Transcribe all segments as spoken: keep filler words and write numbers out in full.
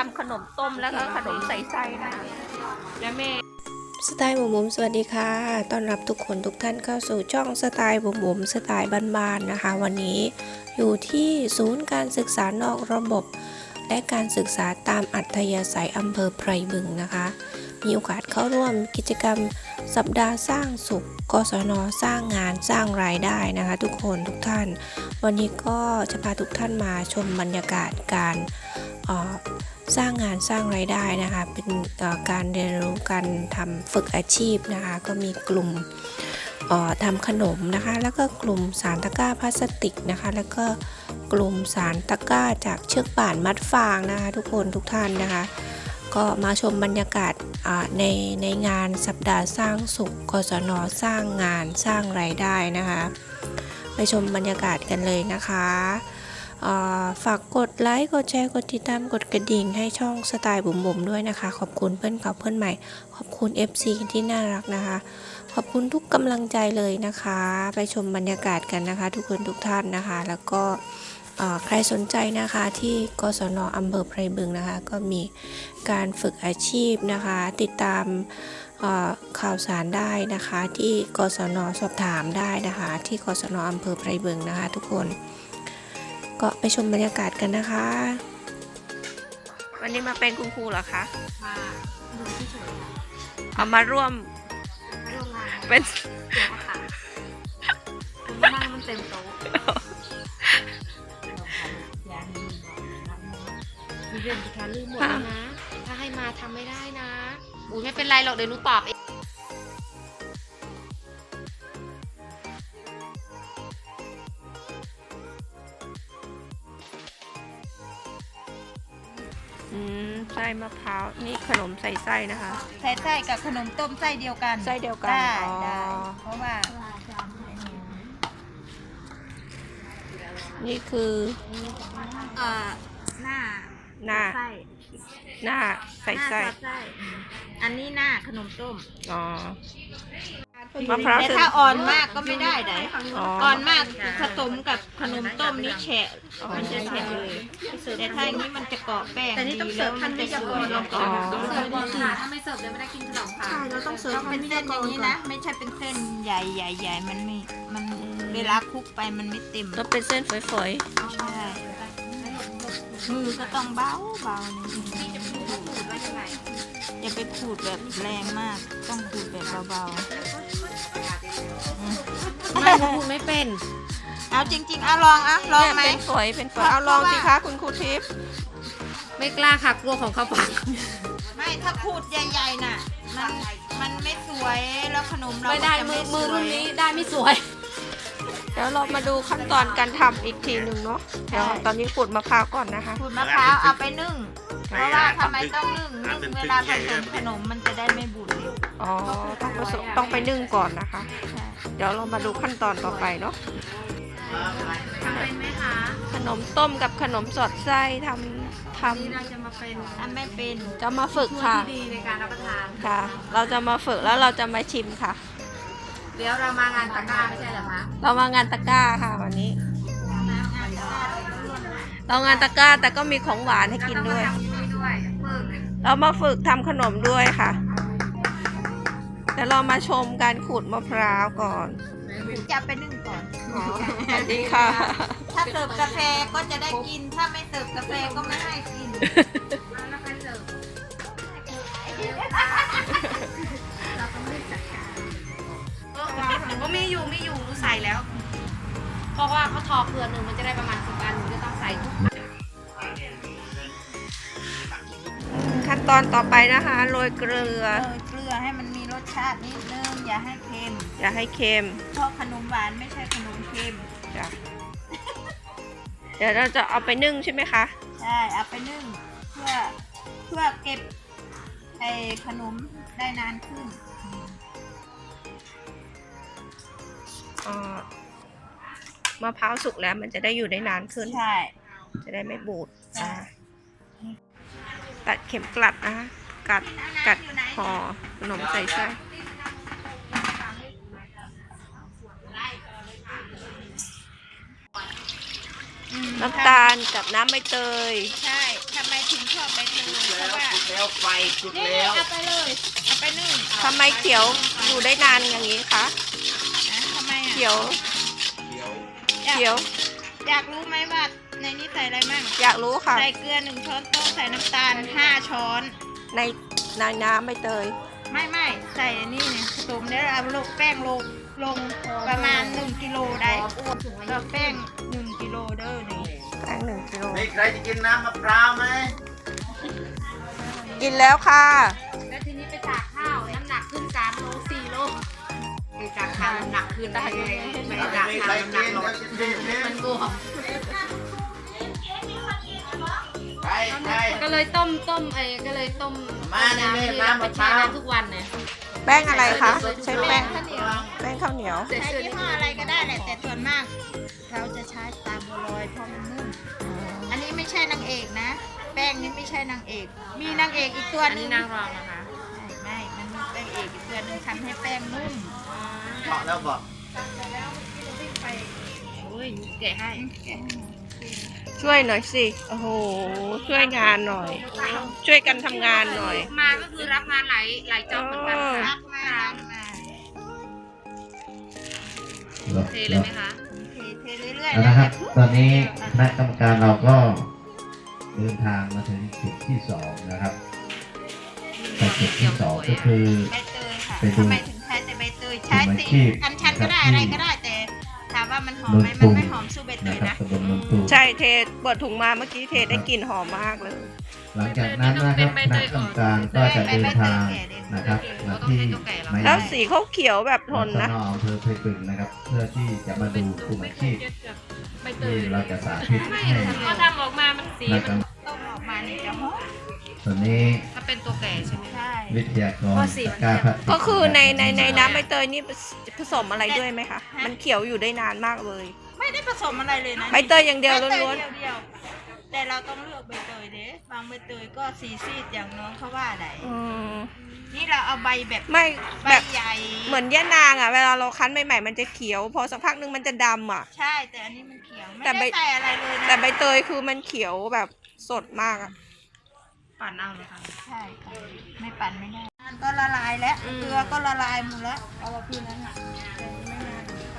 ำขนมต้มแล้วก็ขนมใส่ไส้นะคะแล้วแม่สไตล์บุ๋มบุ๋มสวัสดีค่ะต้อนรับทุกคนทุกท่านเข้าสู่ช่องสไตล์บุ๋มบุ๋มสไตล์บ้านๆนะคะวันนี้อยู่ที่ศูนย์การศึกษานอกระบบและการศึกษาตามอัธยาศัยอำเภอไพรบึงนะคะมีโอกาสเข้าร่วมกิจกรรมสัปดาห์สร้างสุขกศนสร้างงานสร้างรายได้นะคะทุกคนทุกท่านวันนี้ก็จะพาทุกท่านมาชมบรรยากาศการสร้างงานสร้างรายได้นะคะเป็นการเรียนรู้การทำฝึกอาชีพนะคะก็มีกลุ่มทำขนมนะคะแล้วก็กลุ่มสารตะกร้าพลาสติกนะคะแล้วก็กลุ่มสารตะกร้าจากเชือกป่านมัดฟางนะคะทุกคนทุกท่านนะคะก็มาชมบรรยากาศในในงานสัปดาห์สร้างสุขกศนสร้างงานสร้างรายได้นะคะไปชมบรรยากาศกันเลยนะคะฝากกดไลค์กดแชร์กดติดตามกดกระดิ่งให้ช่องสไตล์บุ๋มบุ๋มด้วยนะคะขอบคุณเพื่อนเก่าเพื่อนใหม่ขอบคุณ เอฟ ซี ที่น่ารักนะคะขอบคุณทุกกำลังใจเลยนะคะไปชมบรรยากาศกันนะคะทุกคนทุกท่านนะคะแล้วก็ใครสนใจนะคะที่กศนอำเภอไพรบึงนะคะก็มีการฝึกอาชีพนะคะติดตามข่าวสารได้นะคะที่กศนสอบถามได้นะคะที่กศนอำเภอไพรบึงนะคะทุกคนก็ไปชมบรรยากาศกันนะคะวันนี้มาเป็นคุณครูเหรอคะมาดูที่สวยค่ะเอามาร่วมร่วมงานเป็นเดี๋ยวค่ะคุณมานั่งมันเต็มโต๊ะยานีมีเรื่องที่แค่ลืมหมดแล้วนะถ้าให้มาทำไม่ได้นะอุ้ยไม่เป็นไรหรอกเดี๋ยวหนูตอบเองอืมไส้มะพร้าวนี่ขนมใส่ไส้นะคะใส่ไส้กับขนมต้มไส้เดียวกันไส้เดียวกันได้ได้เพราะว่านี่คือเอ่อหน้าหน้าไส้หน้าใส่ไส้อันนี้หน้าขนมต้มอ๋อมะพร้าวแต่ถ้าอ่อนมากก็ไม่ได้ไหนอ่อนมากผสมกับขนมต้มนี่แฉะมันจะแฉะเลยแต่ถ้าอย่างนี้มันจะเกาะแป้งดีแล้วมันจะสวยลงก่อนเสิร์ฟก่อนค่ะถ้าไม่เสิร์ฟเลยไม่ได้กินขนมค่ะใช่เราต้องเสิร์ฟเป็นเส้นอย่างนี้นะไม่ใช่เป็นเส้นใหญ่ใหญ่ใหญ่มันไม่มันเวลาคลุกไปมันไม่เต็มต้องเป็นเส้นฝอยๆใช่มือก็ต้องเบาเบานี่อย่าไปขูดแบบแรงมากต้องขูดแบบเบาๆไม่พูดไม่เป็นเอาจริงๆเอาลองอ่ะลองไหมเป็นฝอยเป็นฝอยเอาลองสิคะคุณครูทิพย์ไม่กล้าค่ะกลัวของเขาปังไม่ถ้าขูดใหญ่ๆน่ะมันมันไม่สวยแล้วขนมเราไม่ได้มือมือรุ่นนี้ได้ไม่สวยเดี๋ยวเรามาดูขั้นตอนการทำอีกทีหนึ่งเนาะเดี๋ยวตอนนี้ขูดมะพร้าวก่อนนะคะขูดมะพร้าวเอาไปนึ่งเพราะว่าทำไมต้องนึ่งนึ่งเวลาผสมขนมมันจะได้ไม่บูดเร็วอ๋อต้องผสมต้องไปนึ่งก่อนนะคะเดี๋ยวเรามาดูขั้นตอนต่อไปเนาะทำเป็นไหมคะขนมต้มกับขนมสอดไส้ทำทำนี่เราจะมาเป็นทำไม่เป็นจะมาฝึกค่ะดีในการรับประทานค่ะเราจะมาฝึกแล้วเราจะมาชิมค่ะเดี๋ยวเรามางานตะกร้าไม่ใช่เหรอคะเรามางานตะกร้าค่ะวันนี้เรางานตะกร้าแต่ก็มีของหวานให้กินด้วยเรามาฝึกทำขนมด้วยค่ะเดี๋ยวเรามาชมการขูดมะพร้าวก่อนจะไปนึ่งก่อนสวัสดีค่ะถ้าเสิร์ฟกาแฟก็จะได้กินถ้าไม่เสิร์ฟกาแฟก็ไม่ให้กินแล้วใครเสิร์ฟก็มีอยู่มีอยู่หนูใส่แล้วเพราะว่าเขาทอเกลือหนึ่งมันจะได้ประมาณสิบอันหนูจะต้องใส่ทุกขั้นตอนต่อไปนะคะโรยเกลือโรยเกลือให้มันมีรสชาตินิดนึงอย่าให้เค็มอย่าให้เค็มเพราะขนมหวานไม่ใช่ขนมเค็มจ้ะเดี๋ยวเราจะเอาไปนึ่งใช่ไหมคะใช่เอาไปนึ่งเพื่อเพื่อเก็บไอ้ขนมได้นานขึ้นมะพร้าวสุกแล้วมันจะได้อยู่ได้นานขึ้นใช่จะได้ไม่บูดตัดเข็มกลัดนะคะกัดกัดห่อขนมใส่ไส้น้ำตาลกับน้ำใบเตยใช่ทำไมถึงชอบใบเตยแล้วไฟจุดนี่แล้วเอาไปเลยเอาไปนึ่งทำไมเขียวอยู่ได้นานอย่างนี้คะนะทำไมอ่ะเขียวเดี๋ยวเขียวอยากรู้ไหมว่าในนี้ใส่อะไรมั่งอยากรู้ค่ะใส่เกลือหนึ่งช้อนโต๊ะใส่น้ำตาลห้าช้อนในในน้ำใบเตยไม่ไม่ใส่อันนี้เนี่ยผสมแล้วเอาลงแป้งลงลงประมาณหนึ่งกิโลได้ก็แป้งหนึ่งกิโลเด้อนี่แป้งหนึ่งกิโลมีใครจะกินน้ำมะพร้าวไหมกินแล้วค่ะแล้วทีนี้ไปตากข้าวน้ำหนักขึ้นสามโลสี่โลไปตากข้าวน้ำหนักขึ้นได้ไงไม่ได้ตากมีข้าใครวน้ำหนักิกนลดเดี๋ยวจะกินเนี่ยมันบวมใครใครก็เลยต้มต้มไอ้ก็เลยต้มมาเนี่ยน้ำแม่ที่น้ำไปมะพแช่ร้าวน้ำทุกวันเนี่ยแป้งอะไรคะ ใช้แป้งข้าวเหนียวแป้งข้าวเหนียวใช้ยี่ห้ออะไรก็ได้แหละแต่ส่วนมากเราจะใช้ตามบัวลอยเพราะมันนุ่มอันนี้ไม่ใช่นางเอกนะ แป้งนี้ไม่ใช่นางเอก มีนางเอกอีกตัวอันหนึนี้งนางรองนะคะไม่ มันมีนางเอกอีกตัวหนึงทำให้แป้งนุ่มเหมาะแล้วบอกโอ้ยแกะให้ช่วยหน่อยสิ โอ้โห ช่วยงานหน่อย ช่วยกันทำงานหน่อยมาก็คือรับงานหลายหลายจ็อบเหมือนกันค่ะรักมากรักมากเทเลยไหมคะเทเทเรื่อยๆเอาแล้วนะครับอย่าตอนนี้คณะกรรมการเราก็เดินทางมาถึงจุดที่สองนะครับแต่จุดที่สองก็คือใบเตยค่ะไปดูทำไมถึงใช้แต่ใบเตยใช้กลุ่มสีอาชีพอัญชันก็ได้นะครับอะไรก็ได้แต่ถามว่ามันหอมไหมนนมัตุนงไม่หอมสู้ใบเตนะยครับนะตำบลนนตุงใช่เทเปิดถุงมาเมื่อกี้เทได้กลิ่นหอมมากเลยหลังจากนั้นนะครับคณะกรรมการก็จะเดินทางนะครับมาที่หมายเลแล้วขสีเขาเขียวแบบทนนะสอำเภอเพชรบึงนะครับ เพื่อที่จะมาดูกลุ่มอาชีพที่เราจะสาธิตให้ก็ทำออกมามันสีนะครับต้มออกมาเนี่ยจะหอมส่วนนี้ถ้าเป็นตัวแก่ใช่ไหมใช่วิทยากรตะกร้าพลาสติกก็คือในในในน้ำใบเตยนี่ผสมอะไรด้วยไหมคะ มันเขียวอยู่ได้นานมากเลยไม่ได้ผสมอะไรเลยนะใบเตยอย่างเดียวใบเตล้วนเดียวๆแต่เราต้องเลือกใบเตยเด้บางใบเตยก็สีซีดอย่างน้องเขาว่าได้ๆอืมนี่เราเอาใบแบบไม่ใบแบบใหญ่เหมือนย่านางอ่ะ เวลาเราคั้นใหม่ๆมันจะเขียว พอสักพักนึงมันจะดำอ่ะใช่แต่อันนี้มันเขียวไม่แต่ใบได้ใส่อะไรเลยนะแต่ใบเตยคือมันเขียวแบบสดมากอ่ะปั่นเอาเลยค่ะใช่ค่ะไม่ปั่นไม่ได้มันก็ละลายแล้วอืมเกลือก็ละลายหมดแล้วเอาว่าพี่นั้นอ่ะไม่นาน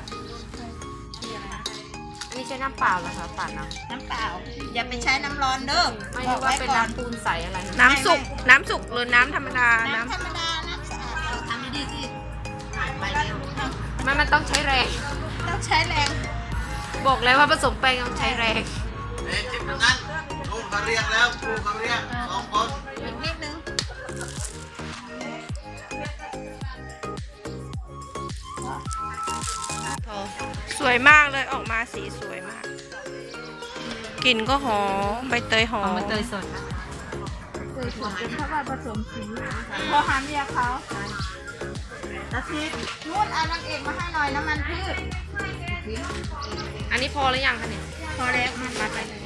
อันนี้ใช้น้ำเปล่าเหรอคะปั่นเอาน้ำเปล่าอย่าไปใช้น้ำร้อนเด้อไม่บอรู้กว่าไว้เป็นก่อนน้ำปูนใสอะไรนะน้ำสุก น้ำสุกหรือน้ำธรรมดาน้ำน้ำธรรมดาน้ำสะอาดเออทำดีๆสิไปเร็วไม่มันต้องใช้แรงต้องใช้แรงบอกแล้วว่าผสมแป้งต้องใช้แรงเอ๊ะจิบนั้นลูกเขาเรียกแล้วลูกเขาเรียกสองคนอีกนิดนึงสวยมากเลยออกมาสีสวยมาก กลิ่นก็หอมใบเตยหอมมันเตยสดนะเคยสวนเป็นเพราะว่าผสมสีพอหามเมียเขาตะซิดนู่นเอานางเอกมาให้หน่อยน้ำมันพืชอันนี้พอหรือยังคะเนี่ยพอแล้วมันมาไปเลย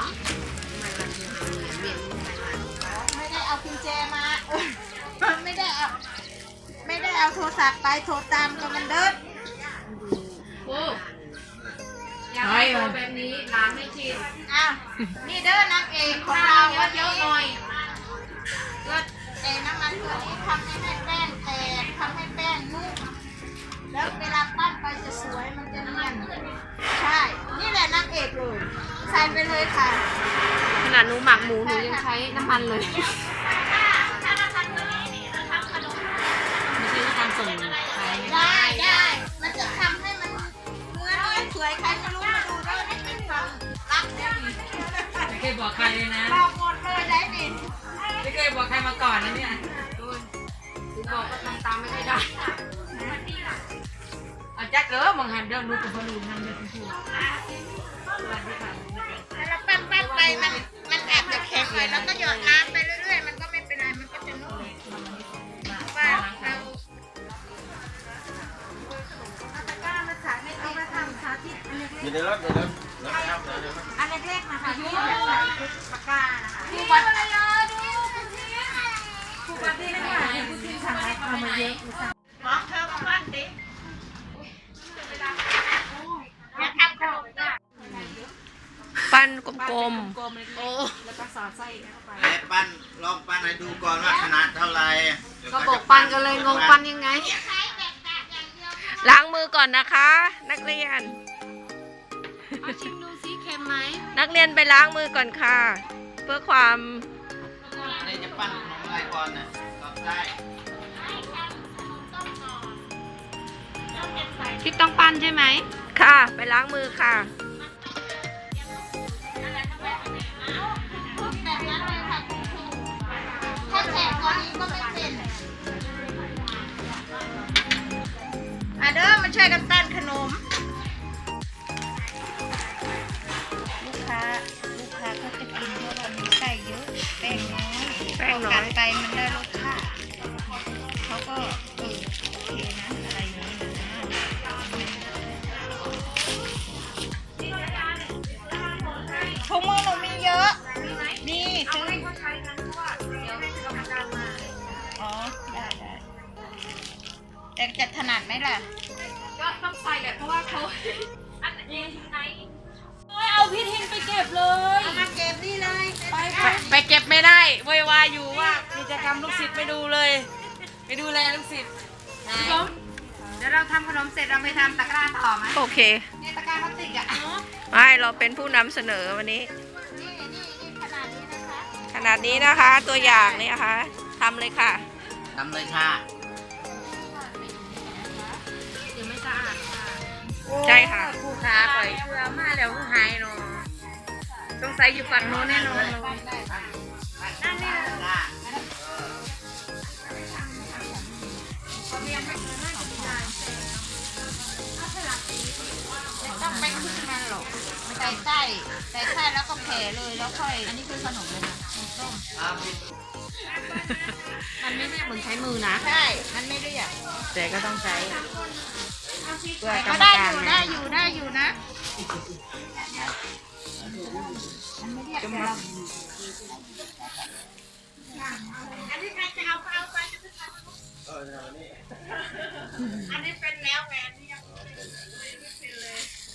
ไม่ได้เอากุญแจมา เออไม่ได้เอาไม่ได้เอาโทรศัพท์ไปโทรตามกับมันเดินโอ้อยากให้โตแบบนี้ล้างให้ชินอ้าวนี่เด้อนางเอกของข้าเราวเยวันอะนี้ๆหน่อยเกิดเอน้ำมันตัวนี้ทำให้แป้งแตกทำให้แป้งนุ่มแล้วเวลาปั้นไปจะสวยมันจะเนียนใช่ นี่แหละนางเอกเลยใส่ไปเลยค่ะขนาดหนูหมักหมูหนูยังใช้น้ำมันเลยถ้าเราทำตัวนี้นี่เราทำขนมไม่ใช่ทำส่งขายได้ได้ มันจะทำให้มันเนื้อเนียนสวยใครไม่รู้มาดูแล้วนี่เป็นความรักเนี่ยนี่ไม่เคยบอกใครเลยนะบอกหมดเลยได้ดิไม่เคยบอกใครมาก่อนนะเนี่ยถึงบอกก็ทำตามไม่ค่อยได้เอาจักเด้อมองหันเด้อรู้กับบอลูนนั่นเด้อคุณครูถ้าเราปั้นปั้นไปมันมันอาจจะแข็งหน่อยแล้วก็หยอดน้ำไปเรื่อยๆ มันก็ไม่เป็นไร มันก็จะนุ่มว่าเราเอาตะกร้ามาสาธิตเอามาทำสาธิตอันเล็กอยู่ในรถอยู่ในรถรถครับเดี๋ยวเดี๋ยวๆอันเล็กๆนะคะที่แบบใส่ตะกร้านะคะครูบัตรครูบัตรที่ไม่ไหวครูที่สั่งเอามาเยอะบอกเธอมาปั้นดิอย่าทำขนมนะปั้นกลมโอ้แล้วก็สอดไส้ไหนปั้นลองปั้นให้ดูก่อนว่าขนาดเท่าไหร่ก็บอกปันกันเลยงงปันยังไงล้างมือก่อนนะคะ นักเรียนเอาชิมดูซิเค็มไหมนักเรียนไปล้างมือก่อนค่ะ เพื่อความนี่จะปั้นขนมอะไรก่อนน่ะตอบได้ที่ต้องปั้นใช่ไหมค่ะ ไปล้างมือค่ะถ้าแฉะกว่านี้ก็ไม่เป็นอ่ะเด้อมาช่วยกันปั้นขนม ลูกค้าลูกค้าเขาจะกินเพราะว่ามีไส้เยอะแป้งน้อยแป้งน้อยกัดไปมันได้รสชาติเขาก็เออโอเคนะอะไรอย่างนี้นะถุงมือหนูมีเยอะนี่ซื้ออ๋อได้ได้แต่จะถนัดไหมล่ะก็ต้องใส่แหละเพราะว่าเขาอันนี้ไหนเอาพี่ทินไปเก็บเลยเอามาเก็บนี่เลยไปไปเก็บไม่ได้วยวายอยู่ว่ากิจกรรมลูกศิษย์ไม่ดูเลยไปดูแลลูกศิษย์พี่ล้มเดี๋ยวเราทำขนมเสร็จเราไปทำตะกร้าต่อไหมโอเคเนี่ยตะกร้าพลาสติกอ่ะไม่เราเป็นผู้นำเสนอวันนี้นี่นี่นี่ขนาดนี้นะคะขนาดนี้นะคะตัวอย่างนี่นะคะทำเลยค่ะทำเลยค่ะยังไม่สะอาดค่ะใช่ค่ะผู้ค้าปล่อยเชื่อมาแล้วผู้หายเนาะต้องใส่อยู่ฝั่งโน้นแน่นอนเลยนั่นนี่ละต้องไปขึ้นมันหรอกใส่ไส้ใส่ไส้แล้วก็แผ่เลยแล้วค่อยอันนี้คือขนมเลยนะต้มมันไม่ได้เหมือนใช้มือนะใช่มันไม่ได้อยากแต่ก็ต้องใช้เพื่อแต่กรก็รมได้การอยู่นะได้อยู่ได้อยู่นะมันไม่เรียกเราอันนี้ใครจะเอาไปเอาไปอันนี้เป็นแล้วแหวนนี่ยังไม่เป็นเลย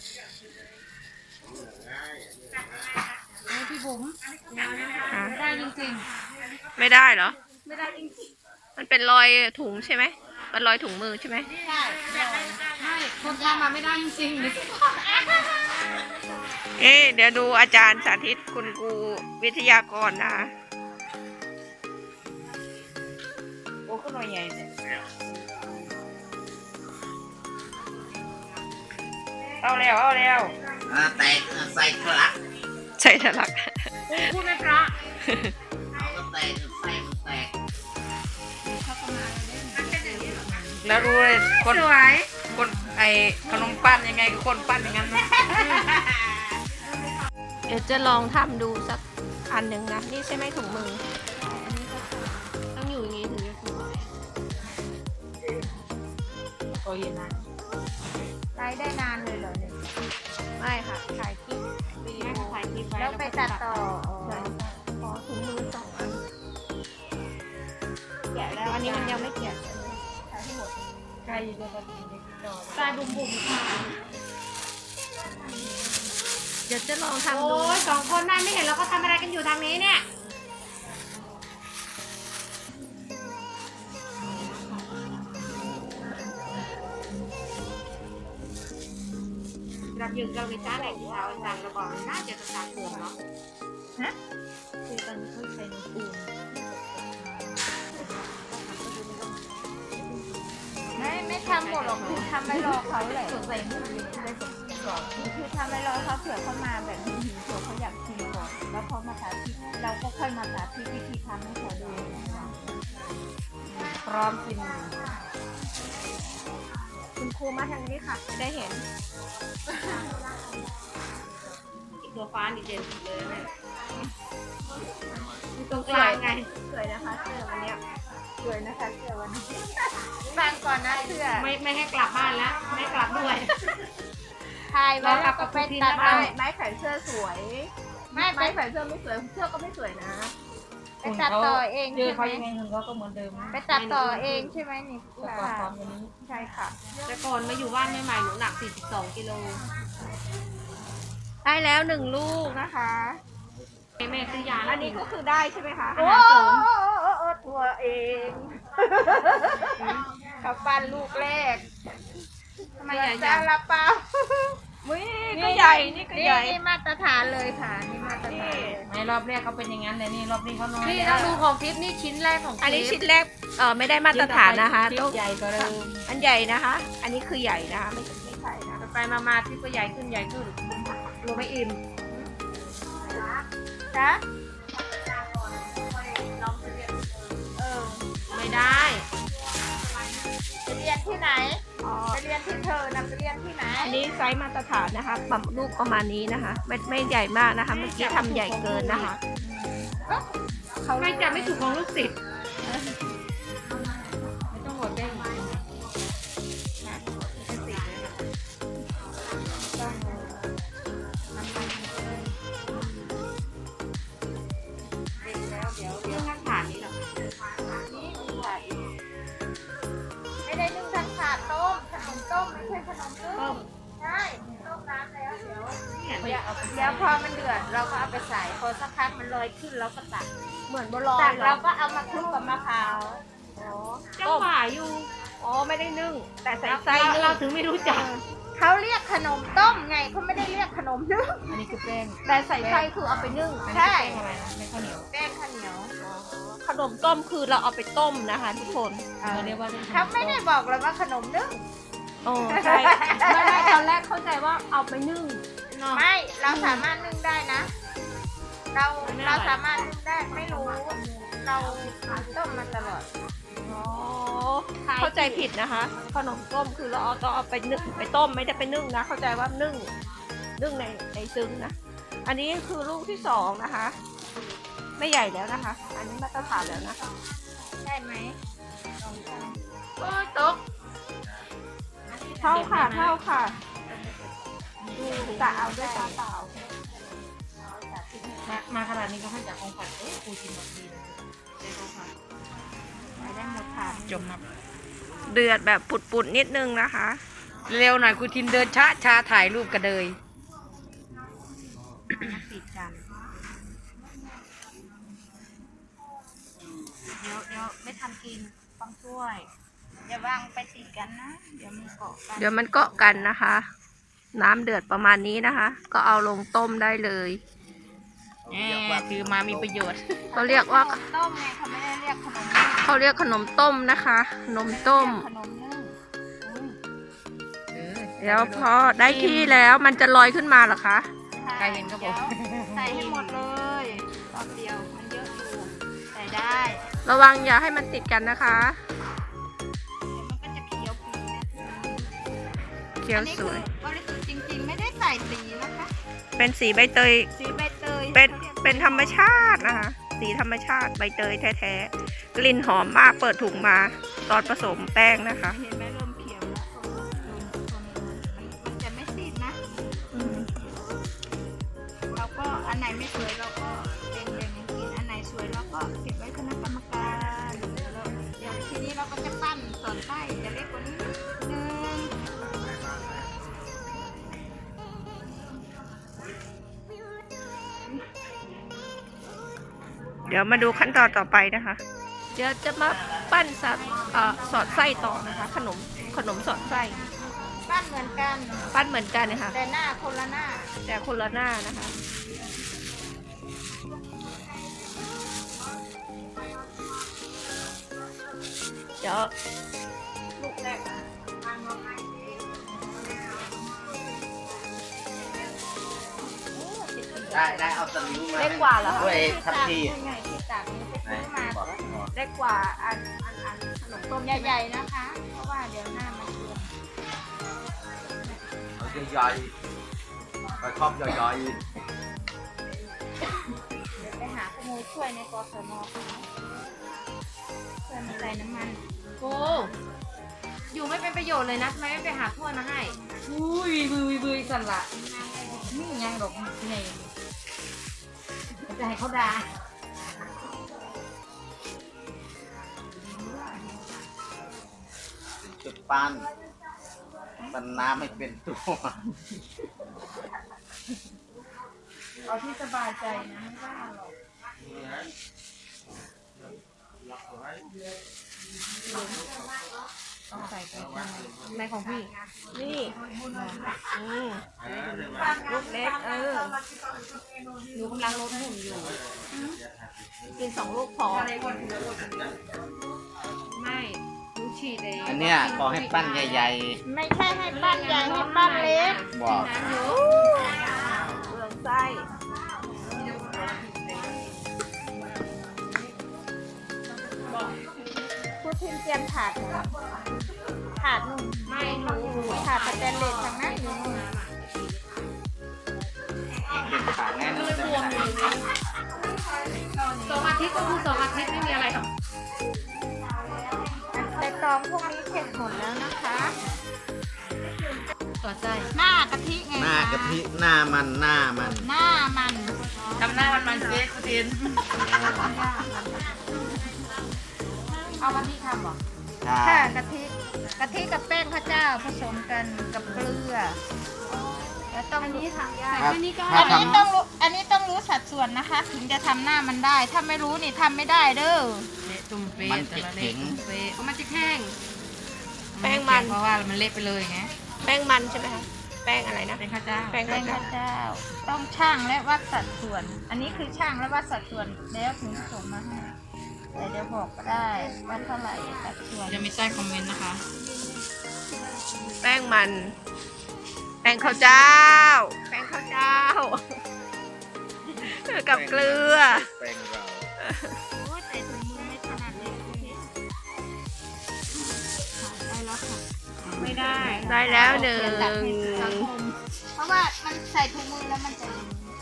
พี่บุ๋มอ่ะไม่ได้จริงไม่ได้เหรอๆไม่ได้จริงมันเป็นรอยถุงใช่ไหมเป็นรอยถุงมือใช่ไหมใช่ๆไม่คนทำมาไม่ได้จริงๆเอ๊ะเดี๋ยวดูอาจารย์สาธิตคุณครูวิทยากรนะคะโอ้ก็หน่อยใหญ่เลยเอาแล้วเอาแล้วอ่าแตกใส่ทะลักใช่ทะลักพูดไม่เพราะเอาก็แตกใส่มันแตกแล้วรู้เลยคนสวยคนไอขนมปั้นยังไงคนปั้นอย่างนั้นนะเดี๋ยวจะลองทำดูสักอันหนึ่งนะ นี่ใช่ไหมถุงมือต้องอยู่อย่างนี้ถึงจะสวยโอ้ยนะไลฟ์ได้นานเลยเหรอเนี่ยไม่ค่ะถ่ายคลิปวิดีโอถ่ายคลิปไว้แล้วไปตัดต่อใช่ขอถุงมือสองอันแกะแล้วอันนี้มันยังไม่แกะถ่ายให้หมดใครอยู่ในกระดิ่งในจอทรายบุ๋มๆค่ะเดี๋ยวจะลองทำโอ้ดูยสองคนนั่นไม่เห็นเราก็ทำอะไรกันอยู่ทางนี้เนี่ยเราอยู่เราไปจ้าแหล่งเราสั่งเราบอกน่าจะจะสั่งเผื่อเนาะคือตอนนี้เขาใช้น้ำปูนไม่ไม่ทำหมดหรอกคือทำไว้รอเขาแหละใส่หมูเลยคือทำไว้รอเขาเผื่อเขามาแบบหิวๆเผื่อเขาอยากชิมก่อนแล้วเขามาสาธิตเราก็ค่อยมาสาธิตวิธีทำให้เขาดูพร้อมกินคุณครูมาทางนี้ค่ะ ได้เห็นอีกตัวฟ้าดีเด่นเลยเนี่ยอยู่ตรงกลางไงสวยนะคะเสื้อวันเนี้ยสวยนะคะเสื้อวันนี้ฟังก่อนนะเสื้อไม่ไม่ให้กลับบ้านแล้วไม่กลับด้วยถ่ายไว้แล้วก็ไปตัดไม้ต่อไม้แขวนเสื้อสวยไม่ไปไม้แขวนเสื้อไม่สวย เสื้อก็ไม่สวยนะไปตัดต่อเองเจอใช่เขาไหมยังไงเงินเขาก็เหมือนเดิมนะไปตัดต่อเองใช่ไหมนี่แต่ก่อนตอนนี้ใช่ค่ะแต่ก่อนมาอยู่บ้านใหม่ๆหนูหนักสี่สิบสองกิโลได้แล้วหนึ่งลูกนะคะแม่ซื้อยาอันนี้ก็คือได้ใช่ไหมคะโอ้อาหารเสริมโอ้ตัวเองกับฟันลูกแรกทำไมใหญ่ซาจังลาเปานี่ก็ใหญ่นี่ก็ใหญ่นี่มาตรฐานเลยค่ะนี่มาตรฐานไม่รอบแรกเขาเป็นอย่างนั้นเลยนี่รอบนี้เขาน้อยนี่ต้องดูของทิปนี่ชิ้นแรกของอันนี้ชิ้นแรกเออไม่ได้มาตรฐานนะคะทิปต้องใหญ่กว่าเดิมอันใหญ่นะคะ อันนี้คือใหญ่นะคะไม่ไม่ใช่นะไปๆมาๆทิปก็ใหญ่ขึ้นใหญ่ขึ้นรู้ไม่อิ่มจ๊ะเออไม่ได้ไปเรียนที่ไหนไปเรียนที่เธอนะไปเรียนที่ไหนอันนี้ไซส์มาตรฐานนะคะปรับลูกประมาณนี้นะคะ ไม่ไม่ใหญ่มากนะคะ เมื่อกี้ทำใหญ่เกินนะคะเขาไม่จับไม่ถูกของลูกศิษย์ไม่ต้องหมดได้ไม่ได้นึ่งทั้งขาดต้มขนมต้มไม่ใช่ขนมต้มใช่ต้มน้ำแล้วเดี๋ยวเดี๋ยวเดี๋ยวพอมันเดือดเราก็เอาไปใส่พอสักพักมันลอยขึ้นเราก็ตักเหมือนบัวลอยตักเหรเราอก็เอามาคลุกกับมะพร้าวจังหวะอยู่อ๋อไม่ได้นึ่ง แต่ใส่ไส้เรานึ่งเราถึงไม่รู้จักเขาเรียกขนมต้มไงเขาไม่ได้เรียกขนมนึ่งอันนี้คือแป้งแต่ใส่ไส้คือเอาไปนึ่งอันนี้ใช่คือแป้งอะไรนะแป้งข้าวเหนียวแป้งข้าวเหนียวขนมต้มคือเราเอาไปต้มนะคะ ทุกคนเราเรียกว่าเขาไม่ได้บอกเลยว่าขนมนึ่งโอ้ใช่ไม่ไม่ตอนแรกเข้าใจว่าเอาไปนึ่งไม่เราสามารถนึ่งได้นะ เราเราสามารถนึ่งได้ไม่รู้ เราต้มมาตลอดอ๋อเข้าใจผิดนะคะ ขนมต้มคือเราเอาต้องเอาไปนึ่งไปต้มไม่ได้ไปนึ่งนะ เข้าใจว่านึ่งนึ่งในในซึ้งนะ อันนี้คือลูกที่สองนะคะ ไม่ใหญ่แล้วนะคะ อันนี้มาตรฐานแล้วนะคะใช่ไหมโอ้ยตกเท่าค่ะเท่าค่ะดูกะเอาด้วยตาเปล่ามามาขนาดนี้ก็ให้จากของขวัญเอ้ยครูชิมแบบดีเลยได้ของขวัญไปได้หมดถาดจมครับเดือดแบบปุดๆนิดนึงนะคะเร็วหน่อยครูทิมเดินช้าช้าถ่ายรูปกระเดยติดกัน เดี๋ยวเดี๋ยวไม่ทันกินต้องช่วย อย่าวางไปติดกันนะ เดี๋ยวมันเกาะกันเดี๋ยวมันเกาะกันนะคะ น้ำเดือดประมาณนี้นะคะ ก็เอาลงต้มได้เลยแหมคือมามีประโยชน์เขาเรียกว่าขนมต้มไงเขาไม่ได้เรียกขนมนึ่งเขาเรียกขนมต้มนะคะขนมต้มขนมนึ่งเดี๋ยวพอได้ที่แล้วมันจะลอยขึ้นมาเหรอคะใครเห็นก็บอกใส่ให้หมดเลยรอบเดียวมันเยอะอยู่ใส่ได้ระวังอย่าให้มันติดกันนะคะเดี๋ยวมันก็จะเขียวปีนะเขียวอันนี้สคือวยบริสุทธิ์จริงๆ ไม่ได้ใส่สีนะคะเป็นสีใบเตยสีใบเตยเป็นขารียกเป็นธรรมชาตินะคะ สีธรรมชาติใบเตยแท้ๆ กลิ่นหอมมากเปิดถุงมา ตอนผสมแป้งนะคะเห็นไหมเริ่มเขียวแล้วโดนโดนมันมันจะไม่ซีดนะ เราก็อันไหนไม่สวยเราก็เด่นเด่นๆกินอันไหนสวยเราก็เก็บไว้คณะกรรมการเดี๋ยวเราเดี๋ยวทีนี้เราก็จะปั้นสอดไส้จะเล็กกว่านี้นิดนึงเดี๋ยวมาดูขั้นตอนต่อไปนะคะ เดี๋ยวจะมาปั้นสอดเอ่อสอดไส้ต่อนะคะ ขนมขนมสอดไส้ปั้นเหมือนกันปั้นเหมือนกันนะคะแต่หน้าคนละหน้าแต่คนละหน้านะคะ เดี๋ยวลูกแรกได้ได้เอาตะลิ้วมาเล็กกว่าเหรอคะด้วยทัพพีไงที่ตากนี้ไปไหนซื้อมาบอกเล็กกว่าอันอันอันขนมต้มใหญ่ๆนะคะ เพราะว่าเดี๋ยวหน้ามันเกินเอาใหญ่ๆไปครอบใหญ่เดี๋ยวไปหาขโมยช่วยในกสมค่ะช่วยมันใส่น้ำมันโอ้อยู่ไม่เป็นประโยชน์เลยนะทำไมไม่ไปหาถ้วยมาให้อุ้ยบุยบุยสั่นละนี่ยังดอกนี่จะให้เขาด่าๆจุดปั้นปั้นน้ำไม่เป็นตัวเอาที่สบายใจนะไม่ว่าหรอกต้องใส่ไปข้างในในของพี่นี่อืมลูกเล็กเออหนูกำลังลดหุ่นอยู่กินสองลูกพอไม่หนูฉีดเองอันเนี้ยขอให้ปั้นใหญ่ไม่ใช่ให้ปั้นใหญ่ให้ปั้นเล็กๆบอกน้ำเยอะเปลืองไส้พูดถึงเตรียมถาดหนูถาดนุ่มไม่หนูหนูถาดสแตนเลสทางนั้นอยู่นู่นเด็กขาดแน่นอนจะไม่ได้สองอาทิตย์ก็คือสองอาทิตย์ไม่มีอะไรหรอกแต่ตองพวกนี้เสร็จหมดแล้วนะคะตัวใจหน้ากะทิไงหน้ากะทิหน้ามันหน้ามันหน้ามันทำหน้ามันมันเซ็กซ์ทินเอาวันที่ทำเหรอใช่ค่ะกะทิกะทิกับแป้งข้าวเจ้าผสมกันกับเกลือแล้วต้องรู้ครับอันถ้านี้ทำต้องรู้อันนี้ต้องรู้สัดส่วนนะคะ ถึงจะทำหน้ามันได้ ถ้าไม่รู้นี่ทำไม่ได้เด้อตุ่มเป๊ะมันจะแข็งเพราะมันจะแห้งแป้งมันเพราะว่ามันเละไปเลยไงแป้งมันใช่ไหมคะแป้งอะไรนะเป็นข้าวเจ้าแป้งแป้ข้าวงเจ้าข้าวเจ้า ต้องช่างและวัดสัดส่วน อันนี้คือช่างและวัดสัดส่วนแล้วถึงส่งมาให้แต่เดี๋ยวบอกก็ได้ว่าเท่าไหร่สัดส่วนจะไม่ใต้คอมเมนต์นะคะแป้งมัน แป้งข้าวเจ้า แป้งข้าวเจ้า กับเกลือแป้งเราโอ้ยแต่ถุงมือไม่ถนัดเลยคุณพี่ได้แล้วค่ะไม่ได้ได้แล้วหนึ่งเพราะว่ามันใส่ถุงมือแล้วมันจะ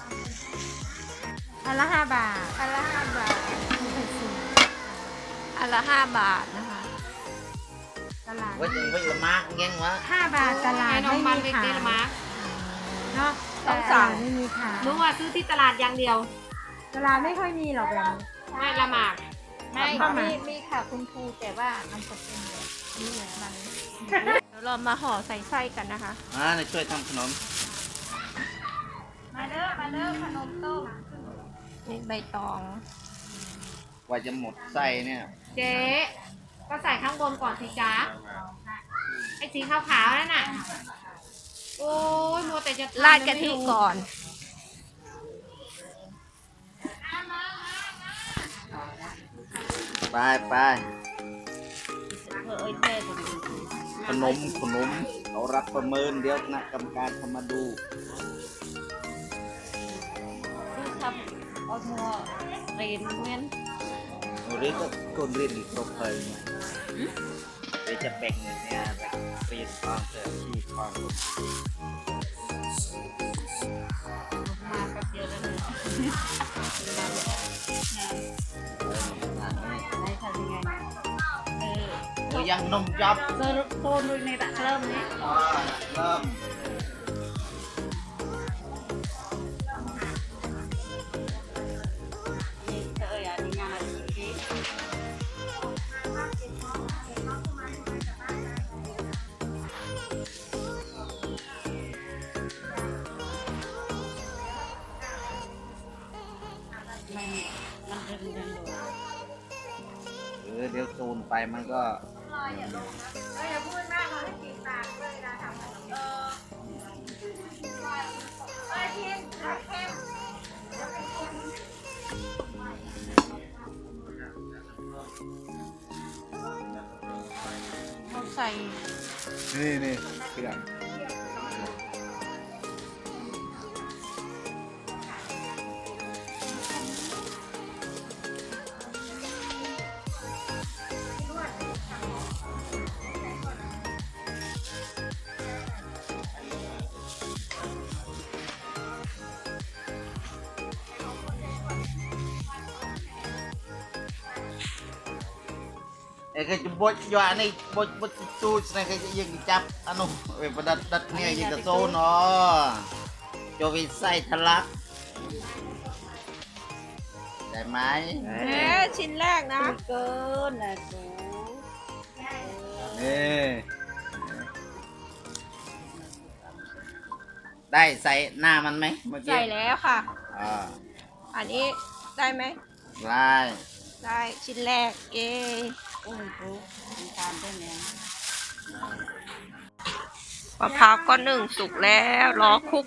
อันละห้าบาทอันละห้าบาทอันละห้าบาทนะคะตลาดว่ายังไม่ละมากยังวะห้าบาทตลาดไม่มีขายเนาะต้องสั่งไม่มีขายหนูว่าซื้อที่ตลาดอย่างเดียวตลาดไม่ค่อยมีหรอกแบบนี้ไม่ละหมากไม่มีมีค่ะคุณครูแต่ว่ามันจะเป็นแบบนี้มันเดี๋ยวเรามาห่อใส่ไส้กันนะคะอ่าในช่วยทำขนมมาเด้อมาเด้อขนมต้มนี่ใบตองกว่าจะหมดไส้เนี่ยเจ๊ก็ใส่ข้างบนก่อนสิจ้าไอ้สีขาวๆนั่นน่ะ โอ้ยมัวแต่จะทำราดกะทิก่อนไปไปขนมขนมเขารับประเมินเดี๋ยวคณะกรรมการเขามาดูทำเอามัวเรนเงี้ยเรียกก็คนเรียนอีกครบเลยเนี่ยเดี๋ยวจะแบ่งเนี่ยแบ่งเรียนความเสียชีพความรู้มาแป๊บเดียวแล้วเนี่ย ได้ทำยังไงเออเออยังนมจับโซนโซนดูในตะเริ่มนี้อ่าเริ่มเอออย่างนี้งานอะไรนี้เออเดี๋ยวซูนไปมันก็เขาใส่นี่นี่เครื่อง ไอ้ก็จะบดยานี่บดบดตูดนี่ก็จะยังจับอันนู้นเว้ยประดัดดัดเนี่ยยังจะโซนอ๋อจะไปใส่ทะลักได้ไหมเอ๊ะชิ้นแรกนะเกินแหละกูนี่ได้ใส่หน้ามันไหมเมื่อกี้ใส่แล้วค่ะเออ่าอันนี้ได้ไหมลายได้ชิ้นแรกเย้มะพร้าวก็นึ่งสุกแล้วรอคลุก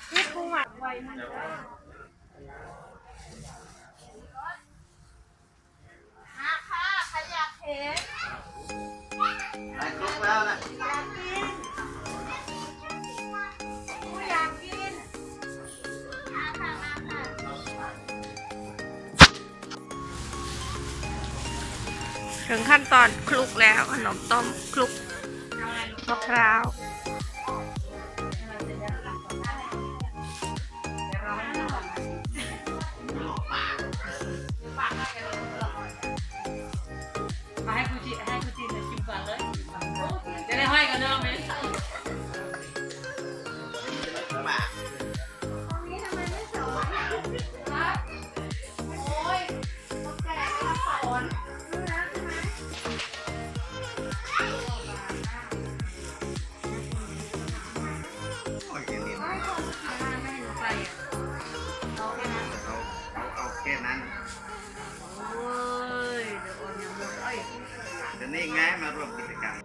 มาค่ะใครอยากเห็นลายครบแล้วนะผู้อยากกินมาค่ะมาค่ะถึงขั้นตอนคลุกแล้วขนมต้มคลุกมะพร้าวมาให้กูจีให้กูจีนชิมก่อนเลยจะได้ห้อยกันเดิมไหมโอ้ยเดี๋ยวนี้เอาเอาเอาแค่นั้นเดี๋ยวนี้ไงมารวมกิจกรรม